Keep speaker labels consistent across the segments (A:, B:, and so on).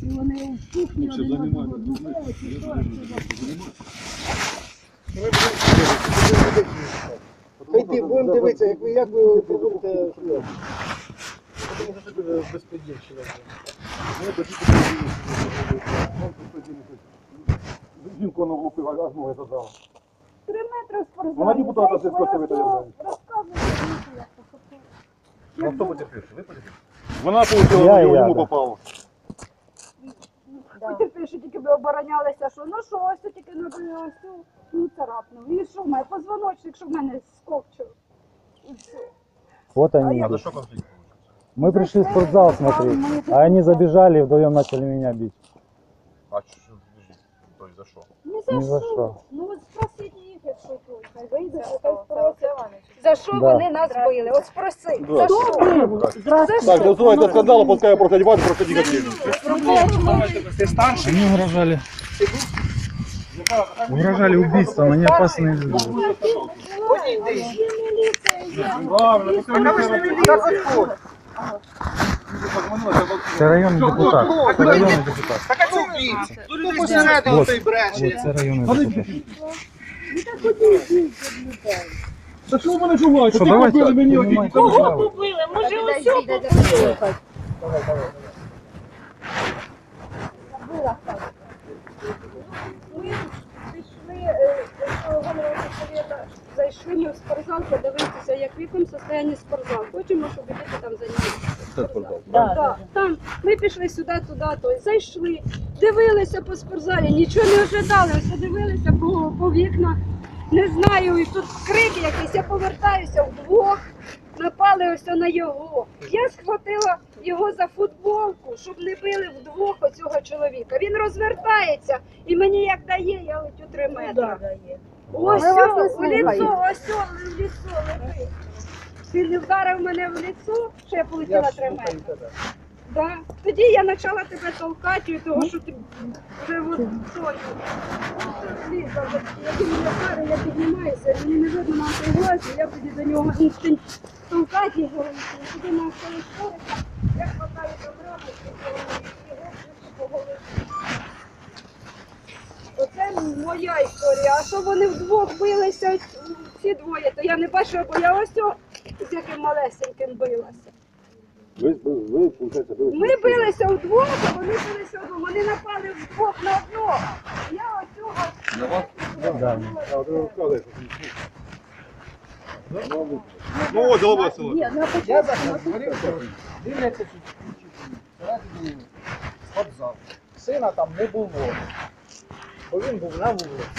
A: І вони в кухні один одного духають, і то,
B: Хай будемо дивитися, як ви проводите шлях. Тому що це дуже безпредельщина.
C: Жінку на влупила, аж ноги задала.
A: 3 метри в спортзалі.
C: Вона депутата сільського совету являється.
A: Розказуйте,
C: Ну хто потерпівши? Ви потерпівши? Вона получила, йому попало.
A: Потерпівши, що тільки ви оборонялися, що ну що, ось тільки набили ось, ну царапнув. І що в мене, позвоночник, що в мене скопчив. І все.
D: Вот они.
C: А за що конфлікт?
D: Мы пришли в спортзал смотреть, а они забежали и вдвоем начали меня бить.
C: А що? Тобто за що?
A: Ні
D: Ні за що.
A: Ну от спросіть їх, якщо тут. Хай вийде, хай спросять. За що вони нас били? От спроси. За що?
C: Так, называется скандал, пускай я просто одеваюсь, просто негативно.
B: Ти старший?
D: Они угрожали. Угрожали убийством, они опасные люди.
C: Правильно,
D: Это районный депутат. Это районный депутат.
B: Так а чому бійці? Тут посередині той бреше.
D: Вот, это районный депутат.
C: Та що ви мене чуваєте?
D: Що,
C: Ти
D: давайте,
C: побили мені
D: піднімайте
C: одні.
D: справу.
A: побили? Може, ось побили? Ми пішли, голова совєта, зайшли ми в спортзал, подивитися, як в якому стані спортзал. Хочемо, щоб діти там займалися. Да. Там ми пішли сюди, туди, то зайшли, дивилися по спортзалі, нічого не ожидали, ось дивилися по вікнах. Не знаю, і тут крик якийсь, я повертаюся вдвох, напали ось на його. Я схватила його за футболку, щоб не били вдвох оцього чоловіка. Він розвертається і мені як дає, я летю 3 метри. Ось, в лицо, ось, в лицо летить. Він не вдарив мене в лицо, що я полетіла 3 метри. Да. Тоді я почала тебе толкати, того, що ти вже от тою. Як він мене вдарив, я піднімаюся, мені не видно на той глазі, я тоді до нього інстинкт толкати його, я тоді на свої шорика, я хватаю до брата, і його по голові. Оце моя історія. А що вони вдвох билися, ці двоє, то я не бачила, бо я ось з яким малесеньким билася.
C: Ви, получається,
A: Ми билися вдвох, а вони билися вдвох. Вони напали вдвох на одного. Я оцього...
C: На вас?
D: Да.
C: А, ти розказуєш. Ну, от, голова села.
A: Ні, на
B: Я
A: початку.
B: зараз говорив, що дивляться всередині спортзал. Сина там не було, бо він був на вулиці.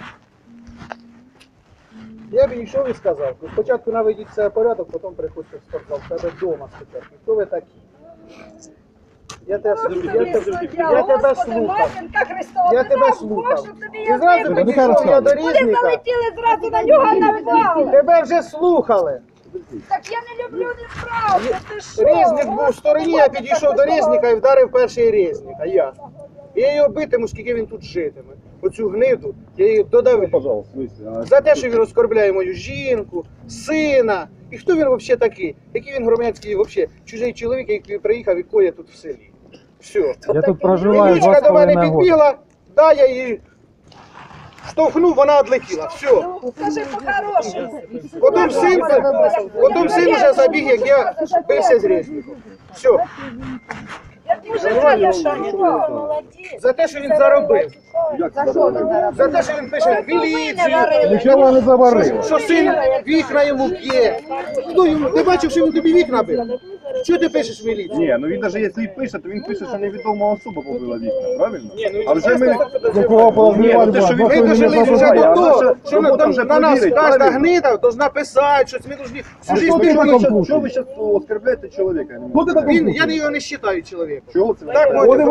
B: Я б йшов і сказав, спочатку наведіть себе порядок, потім приходьте в спортзал, в тебе вдома спочатку. Хто ви такі? Я тебе слухав. Я тебе слухав. І зразу підійшов я до
A: Вони
B: Різника.
A: залетіли зразу на нього на вдали.
B: Тебе вже слухали.
A: Так я не люблю неправду, ти що?
B: Різник був в стороні, я підійшов до Різника і вдарив перший Різник, а я. І я його битиму, скільки він тут житиме. Оцю гниду, я її додавив.
C: Пожалуйста,
B: За те, що він оскорбляє мою жінку, сина. І хто він взагалі такий? Який він громадський, взагалі, чужий чоловік, який приїхав і коє тут в селі. Все.
D: Я тут проживаю
B: Річка до мене
D: 2,5 года.
B: підбігла, да, я її штовхнув, вона відлетіла. Все.
A: Ну, скажи по-хорошому.
B: Потім син вже забіг, як я бився з Різником. Все.
A: Я дуже рада, що молодець.
B: За те, що він заробив.
A: За що він заробив?
B: За те, що він пише в міліцію.
C: Нічого не заварив.
B: Що син вікна йому б'є. Хто йому? Ти бачив, що він тобі вікна бив? Що ти пишеш в міліцію?
C: Ні, ну він навіть якщо і пише, то він пише, що невідома особа побила вікна, правильно?
B: Ні,
C: А вже ми...
B: Ні,
C: ну те, що він
B: ми дожили вже до того, що
C: робота вже
B: на нас
C: провірить,
B: кожна
C: правильно?
B: гнида должна писати, щось ми должны всю жизнь
C: Що ви зараз оскорбляєте чоловіка? Я не можу.
B: Я його не вважаю чоловіком.
C: Чого це?
B: Так,
A: А він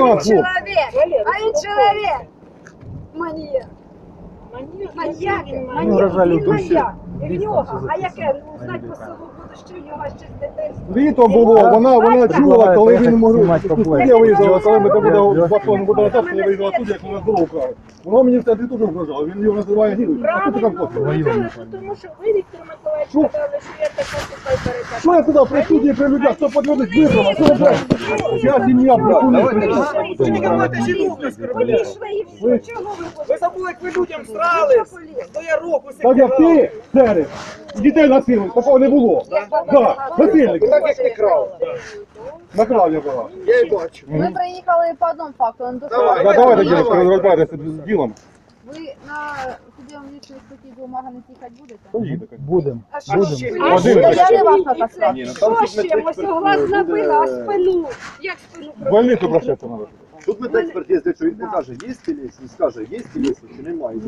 A: чоловік. Маніяк. Маніяк.
D: вражали
A: Він
D: душі.
A: маньяк. І в нього. А яке? Ну, знать по селу буду що в нього ще з дитинства.
C: Літо було, вона чула, коли він може. Я виїжджав, коли ми там буде батон буде назад, коли виїжджав тут, як вона здорово вкрали. Воно мені в центрі теж вражало, він його називає гідом. А тут там просто.
E: Тому що ви, Віктор Миколаївич,
C: Що?
E: сказали, що я така сухай передача.
C: Що я туди присутній при людях, хто подводить витрава, що блядь? Я сім'я присутній при людях.
B: Ви не можете жінок оскорбляти.
A: Пішли і все. Чого ви
B: Ви
A: хочете?
B: забули, як ви людям срались. До ярок усе
C: Так як ти, Сереж, дітей насилуєш, такого не було. Так, насильник.
B: Так як ти крав.
C: Накрав я була.
B: Я й бачу.
F: Ми приїхали по одному факту. Он до
B: Давай.
C: Да, давайте, дівчатка, розбирайтеся з ділом.
F: Ви на судовому лічній статті бумага не тікати будете?
C: Поїдете.
D: Будем.
A: А
B: А
A: що?
B: ще?
A: А
C: Один.
A: що?
F: Я не вас натаскала.
A: Що ще? Ось глаз набила, а спину. Як спину?
C: В больницю прощатися треба.
G: Тут медекспертиза, якщо він покаже, є тілець, він скаже, є тілець, чи немає.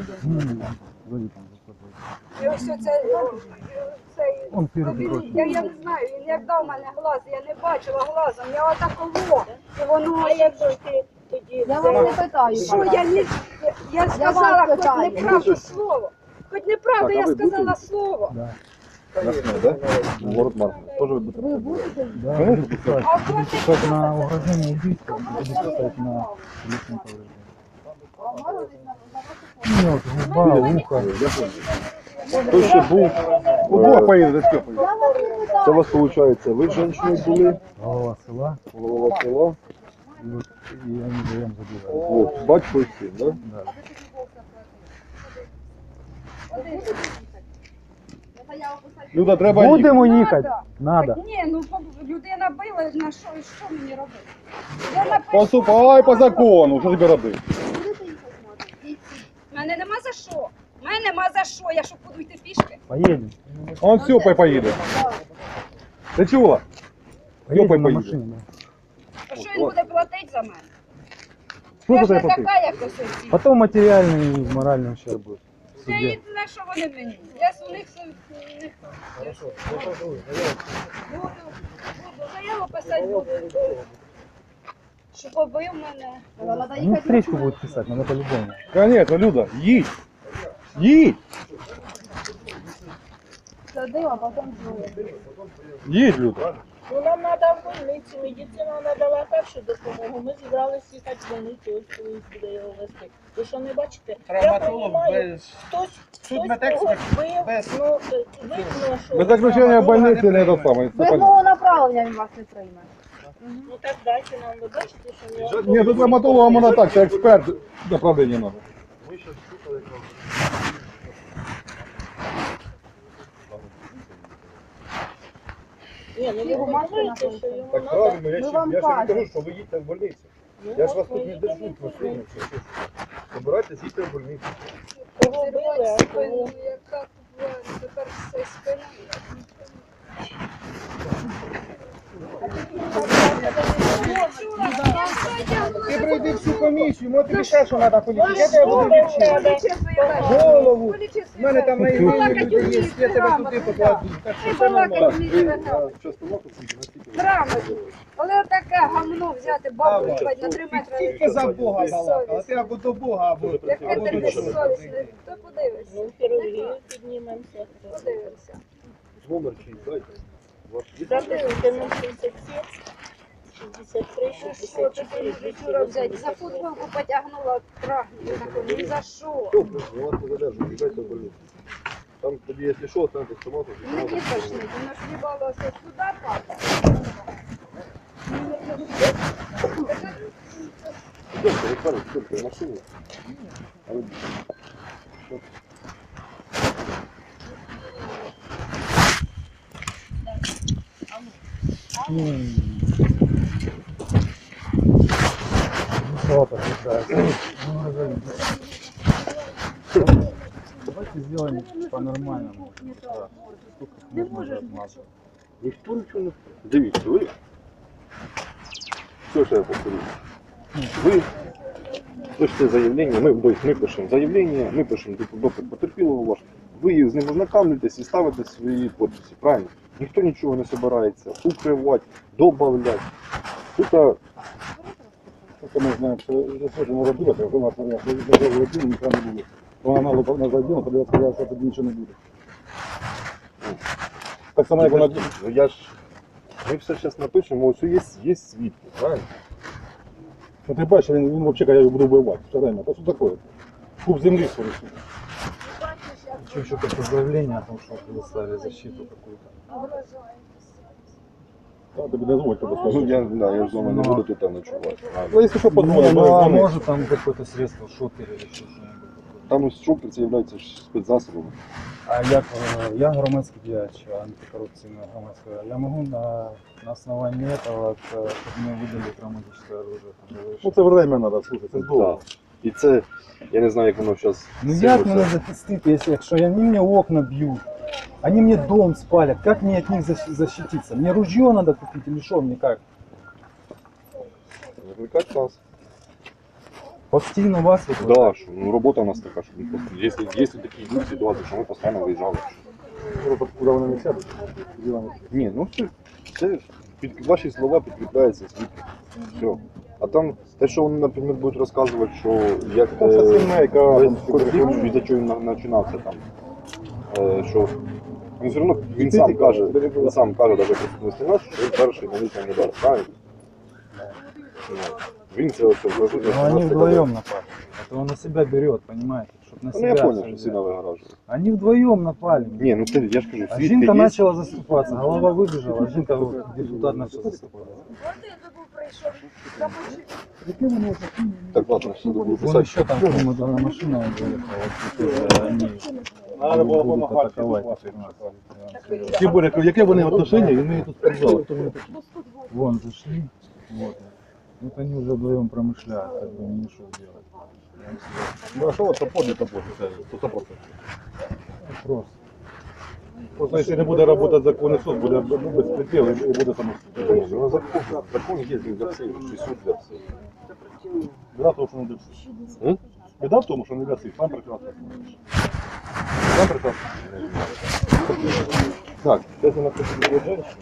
A: І ось оце, цей,
D: Он первый
A: він-
D: просит.
A: я не знаю, він як дав мене глаз, я не бачила глазом, я отаково, і воно, як
F: Я вас не питаю.
A: що я сказала, хоч
F: питаю.
A: неправду слово, хоч неправду,
G: Так, а
A: я
G: ви
A: сказала
G: будете?
A: слово.
C: Ясно, да? Город Марк. Тоже будете?
F: Ви будете?
D: Да,
C: Конечно,
D: писать.
A: А
D: Буду писать на угрожение убийством, буду писать на личном повреждении. Нет, губа, ухо.
C: Хто ще був? Удвох поїде, з Степою.
F: Я вас не питаю.
G: Це у вас виходить, ви з жінкою були,
D: Голова села,
G: голова села,
D: и они вдвоем забивали.
G: от, батько і син, да?
D: Да.
C: Люда, треба їхати.
D: Будемо їхати? Надо.
A: Ні, ну людина била, на що, і що мені робити? Я напишу,
C: Поступай по закону, що тобі робити?
A: в мене нема за що. В мене нема за що, я що буду йти пішки.
D: Поедем.
C: Он Степой поїде. Ти чула?
D: Поедем на
C: поедем.
D: машине. Да.
A: А що він буде платити за мене?
C: Що
A: Я
C: ти
A: ж не
C: платив?
A: така, як ось оці.
D: Потом материальный и моральный ущерб будет. в
A: Я
D: суде.
A: і на що вони мені? Я з у них буду заяву писати буду. Що побив мене.
F: Надо
D: Ну, встречку будет писать, надо по-любому.
C: Конечно, Люда, їдь. Їдь.
F: садив, а потім знову.
C: Їдь, Люда.
E: Ну, нам треба в больницю, медицина надала першу допомогу. Ми зібралися їхати в больницю, ось колись буде його вести. Ви що не бачите? Я
B: Травматолог
E: розумію,
B: без...
E: хтось
B: судмедексперт
E: когось бив,
B: без-
E: ну, видно, що...
C: Без заключення в больниці не до саме.
F: Без мого направлення він вас не прийме.
E: Ну, так дайте нам, ви бачите, що в нього...
C: Ні, до травматолога можна так, це експерт направлення надо.
E: Ні, ну ви
F: Його матка
E: говорите,
F: знаходиться.
E: що йому
C: Так
E: треба...
C: правильно,
F: Ми вам кажемо.
C: що ви їдьте в больницю.
E: Ну,
C: Я ж
E: от
C: вас
E: ми
C: тут не
E: їдемо
C: держу,
E: в
C: просто
E: больницю.
C: Собирайтесь, їдьте в больницю.
E: Кого били, а
A: Спину,
E: кого...
A: яка тепер все спина.
B: Ти пройди всю комісію, може тобі ще що треба полічити. Я тебе буду лічити. Голову. В мене там на імені люди є, я тебе туди покладу. Так що все нормально.
A: Грамотно. Але таке гамно взяти бабу і на 3 метри.
B: Тільки за Бога балакала. Ти або до Бога, або
A: Яке ти
B: до
A: безсовісне. Хто подивиться?
E: Ну, в хірургію піднімемося.
A: Подивимося.
G: Номер чий, дайте. Ваш є?
E: Записуйте 067, 63,
A: Що ти
E: 64,
A: вчора взяти? За футболку потягнула трахнути таку. Ні за що.
G: Добре, я вас не задержу, їдайте в больницю. Там тоді, якщо що, станьте стомату.
A: Мені тошнить, воно ж їбалося сюди падає.
G: Йдемте, Рихард, йдемте в машину. А ви-
D: Ну, что подписать? Ну, разойдись. Давайте сделаем по-нормальному. Да. Сколько можно размазать?
G: Ніхто нічого не... Дивіться, ви... Все, що я повторю. Ви пишете заявлення, ми пишемо заявлення, ми пишемо допит потерпілого ваш. Ви з ним ознакомлюєтесь і ставите свої підписи, правильно? Ніхто нічого не збирається укривати, додавати. Тут
C: Ми знаємо, що не робити, у нас нічого не було. Вона мало на заділа, тоді я сказав, що тоді нічого не буде. Так само, як вона...
G: Ну я ж, ми все зараз напишемо, ось є свідки, правильно?
C: Ну ти бачиш, він взагалі каже, я його буду вбивати. Все время. Та що таке? Куб землі скоріше.
D: Еще какое-то заявление о том, что предоставили защиту какую-то.
C: Та тобі не дозволь тебе
G: Ну
C: скажу.
G: я ж з вами не буду тут ночувати.
C: Ну, якщо що, подзвонимо,
D: Ну, а
C: дзвони.
D: может там какое-то средство, шокер или еще что-нибудь.
G: Там ось шокер це є спецзасобом.
D: А я громадский діяч, антикоррупционный громадский. Я могу на основании этого, чтобы мне выдали травматическое оружие.
C: Ну це время треба, слухай, це довго.
G: Так. І це, я не знаю, як воно зараз.
D: Ну як мене захистити, якщо вони мені окна б'ють, вони мені дом спалять, як мені від них защититься? Мені ружье надо купити, или що мені як?
G: Викликати нас.
D: Постійно вас викликати?
G: Да, що, ну робота у нас така, що ми просто, якщо такі йдуть ситуації, що ми постійно виїжджали.
C: Куди вони не сядуть?
G: Ні, ну це під ваші слова підкріпляється свідки. Все. А там те, що вони, наприклад, будуть розказувати, що як
C: Це сімейка,
G: весь конфлікт, від чого він починався там. Що він все одно він сам каже, навіть присутності нас, що він перший на літній удар, правильно? Ну, він це ось вложив.
D: Ну они вдвоем напали. Это он на себя берет, понимаете? Чтоб на
G: Ну
D: себя
G: я
D: всё
G: понял, що
D: взять.
G: сильно вигоражує.
D: Они вдвоем напали.
G: Ні, ну це я ж кажу,
D: А
G: свідки
D: Жинка
G: є.
D: начала заступаться, голова выбежала, а Жинка вот, депутат начал заступаться.
G: Так, ладно, все, буду
D: Вон
G: писати.
D: еще там одна машина выехала, вот, они
C: Треба було
D: будут
C: допомагати.
D: атаковать.
C: Тим більше, яке вони отношення, і ми тут спортзали. Хто вони такі?
D: Вон зашли, вот. Вот они уже вдвоем промышляют, как бы не что делать.
C: Ну, а що от топор не топор? Це 100%.
D: Просто.
C: Просто якщо не буде працювати законний суд, буде безпреділ і буде самостійно.
G: Ну, закон є для всіх, і суд для всіх.
C: Біда в тому, що не для всіх.
G: М?
C: Біда в тому, що не для всіх. Сам прекрасно. Сам прекрасно.
G: Так, це на тобі є жінка.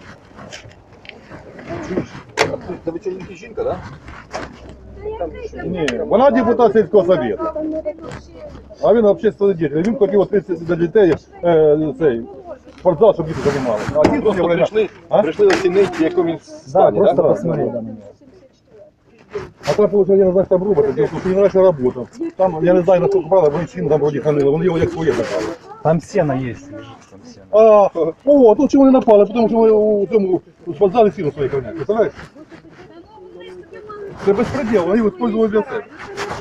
G: Чуєш? Це вечірники жінка, так?
C: Ні, вона депутат сільського совєту. А він общественний діятель. Він хотів відкрити для дітей цей спортзал, щоб діти займалися. А ті
G: Просто
C: время...
G: прийшли оцінити, в якому він
D: Да,
G: стані,
D: просто
G: да?
D: посмотреть на меня.
C: А там, получается, я не знаю, там робот, потому что не нравится работа. Там, я не знаю, насколько правда, бензин там вроде хранили, вони його як своє забрали.
D: Там сено есть, лежит там сено.
C: А, о, тут чому не напали, тому що у цьому спортзалі сіно своє хранять, представляєш? Це безпреділ, вони його використовують для себе.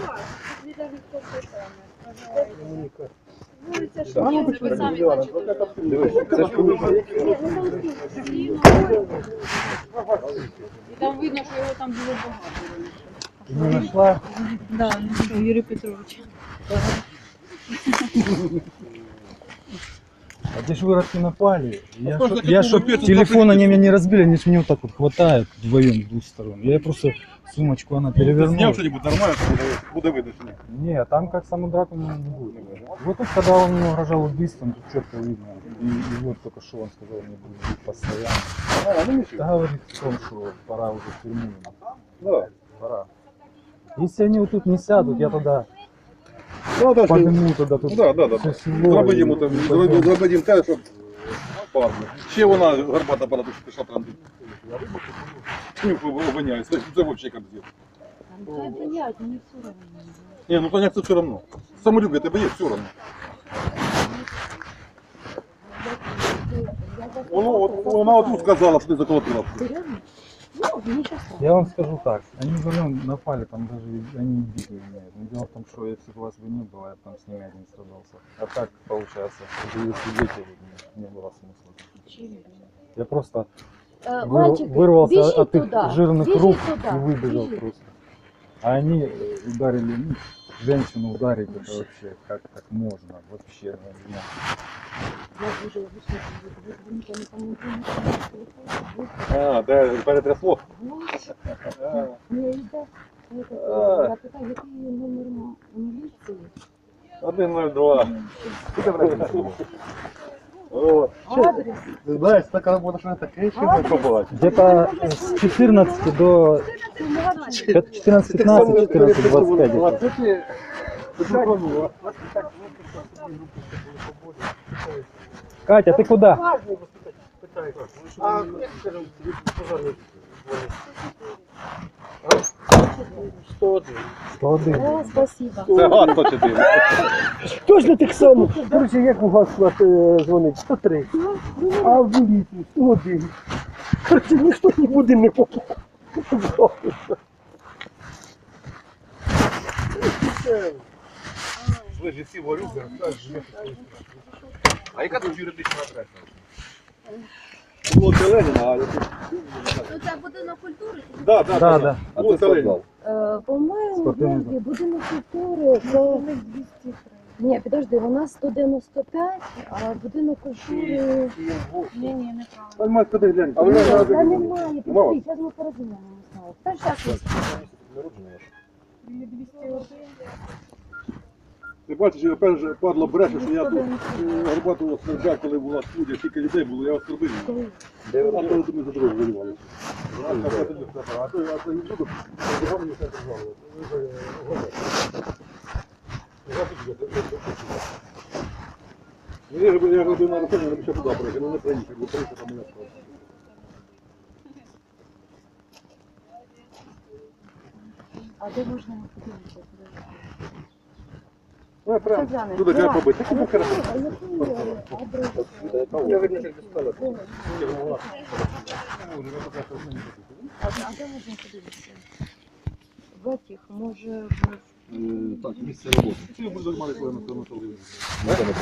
G: Дивись, це ж коли
F: І там видно, що його там було багато.
D: Ты не нашла?
F: Да, ну що, Юрій Петрович.
D: А те ж выродки напали.
C: просто
D: Я
C: такого
D: чтоб
C: перца
D: телефон они меня не разбили, они ж меня вот так вот хватают вдвоем с двух сторон. Я просто сумочку она перевернула.
C: Зняв що-нибудь нормально, то буде видно, що ні.
D: Не, там как саму драку не будет. Вот тут, когда он мне угрожал убийством, тут четко видно. И вот только что он сказал, мне будет бить постоянно.
C: А, ну нічого.
D: Это говорит о том, что пора уже в тюрьму.
C: Да.
D: Пора. Если они вот тут не сядут, я тогда
C: Ну, так, що-
D: подниму тогда тут
C: Да, да, да.
D: все село.
C: Зробимо
D: и
C: там,
D: пойдем.
C: зробимо те, щоб парно. Ще вона гарбата пора, тут пішла транзит. Чим обвиняють? Це взагалі капзет.
F: Хай блядь, мені все одно.
C: Ні, ну понять, це все одно. Самолюбие тебе є, все одно. Вона отут сказала, що ти заколотила.
D: Я вам скажу так, они вдвоем напали, там даже они били меня. Но дело в том, что если бы вас бы не было, я бы там с ними один страдался. А так получается, что были свидетели, не было смысла. Я просто вырвался от их жирных рук и выбежал просто. А они ударили, ну, женщину ударить, это вообще, как так можно, вообще. Ну,
C: А, де перетрясло?
F: Я питаю, який номер міліції?
C: 102. О, ти знаєш, така робота, що не таке, що не побачиш.
D: где-то с 14 до 14-15, 14-25. Катя, ты куда?
B: А, скажімо, пожарник. 101.
F: 101. Спасибо.
G: Це гад 104.
B: Точно так само. Короче, як у вас дзвонить? 103. А в міліцію 101. Короче, ніхто нікуди не попав.
G: Ви ж всі ворюги, а яка тут юридична адреса? Вулиця Леніна, а
F: Ну це будинок культури.
D: Да.
G: а вулиця Леніна.
F: По-моєму,
D: Спортивний зал.
F: будинок культури це... Ні, підожди, у нас 195, а будинок культури... Ні, неправильно.
G: Поймай, куди глянь.
B: А вона
F: Та
B: треба
F: немає, підожди, зараз ми порозуміємо. Та зараз
C: Ти бачиш, я перше падло бреше, що я тут Горбатого оскорбляв, коли була студія, скільки людей було, я оскорбив. А коли ми за дорогу воювали. А то я не буду, мені все держало. Я робив на рахунок, я ще туди приїхав, ну не приїхав, бо приїхав там мене справа.
F: А де можна подивитися?
C: Ну, я прям
F: Це
C: туди треба побити.
F: А який адрес?
B: Я видно, як достала.
F: А де можна подивитися? В этих, може,
C: Так, місце роботи. Це я буду займатися, коли на телевізорі.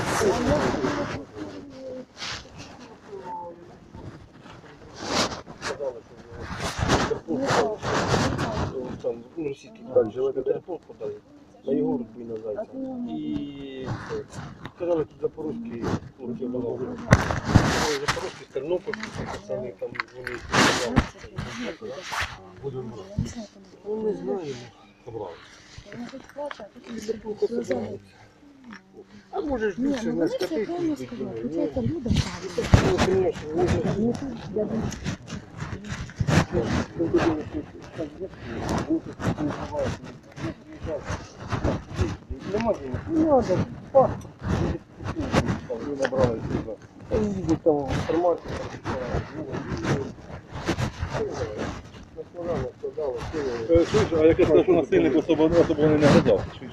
B: Там, ну, російський так живе, телефон подали. На його рубі на зайця. І казали, тут запорозькі хлопці вимогли. Запорозькі з Тернопільські, пацани там вони. Ну, не знаю. А може ж більше на скотиці?
F: це люди
B: Ну, конечно, вони ж нема денег. Не надо. Паспорт. Ви набрали сюди. Там їздять там в інформацію.
C: Чуєш, а яке сказав, що насильник особо не наглядав? Чуєш?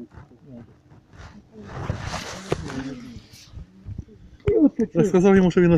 C: Я сказав йому, що він